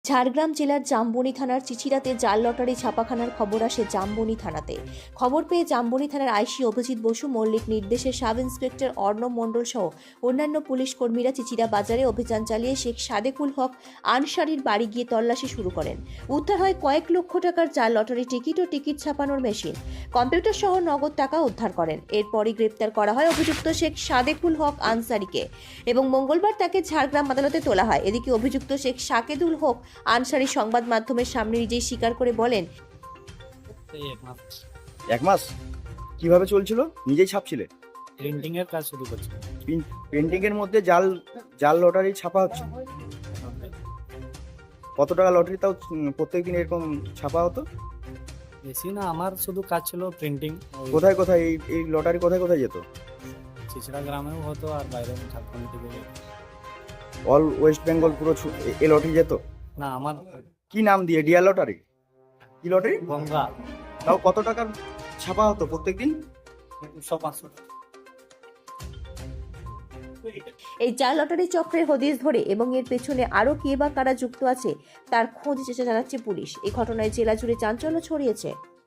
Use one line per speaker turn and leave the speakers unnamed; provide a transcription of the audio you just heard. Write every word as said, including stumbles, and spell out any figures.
ঝাড়গ্রাম জেলার জামবনি থানার চিচিরাতে জাল লটারি ছাপাখানার খবর আসে জামবনি থানাতে। খবর পেয়ে জামবনি থানার আইসি অভিজিৎ বসু মল্লিক নির্দেশে সাব ইন্সপেক্টর অর্ণব মণ্ডল সহ অন্যান্য পুলিশ কর্মীরা চিচিরা বাজারে অভিযান চালিয়ে শেখ সাদেকুল হক আনসারির বাড়ি গিয়ে তল্লাশি শুরু করেন। উদ্ধার হয় কয়েক লক্ষ টাকার জাল লটারি টিকিট ও টিকিট ছাপানোর মেশিন, কম্পিউটার সহ নগদ টাকা উদ্ধার করেন। এরপরই গ্রেপ্তার করা হয় অভিযুক্ত শেখ সাদেকুল হক আনসারিকে এবং মঙ্গলবার তাকে ঝাড়গ্রাম আদালতে তোলা হয়। এদিকে অভিযুক্ত শেখ সাকেদুল হক আনসারি সংবাদ মাধ্যমের সামনে নিজেই স্বীকার করে বলেন,
এক মাস কিভাবে চলছিল? নিজেই ছাপছিলে?
প্রিন্টিং এর কাজ শুরু করছি।
প্রিন্টিং এর মধ্যে জাল জাল লটারি ছাপা হচ্ছে। কত টাকা লটারি তাও প্রত্যেকদিন এরকম ছাপা হতো?
বেশি না, আমার শুধু কাজ ছিল প্রিন্টিং।
কোথায় কোথায় এই এই লটারি কোথায় কোথায় যেত?
চিচড়া গ্রামেও হতো আর বাইরেও ঝাড়খণ্ড থেকে যেত।
অল ওয়েস্ট বেঙ্গল পুরো ছু- এ- এ লটারি যেত?
না, আমার
কি নাম দিয়ে? Dear lottery? কি লটারি?
গঙ্গা
তাও কত টাকার ছাপা হতো প্রত্যেকদিন?
দুশো পাঁচশো।
এই জাল লটারি চক্রের হদিশ ধরে এবং এর পেছনে আরও কে বা কারা যুক্ত আছে তার খোঁজ চেষ্টা চালাচ্ছে পুলিশ। এই ঘটনায় জেলা জুড়ে চাঞ্চল্য ছড়িয়েছে।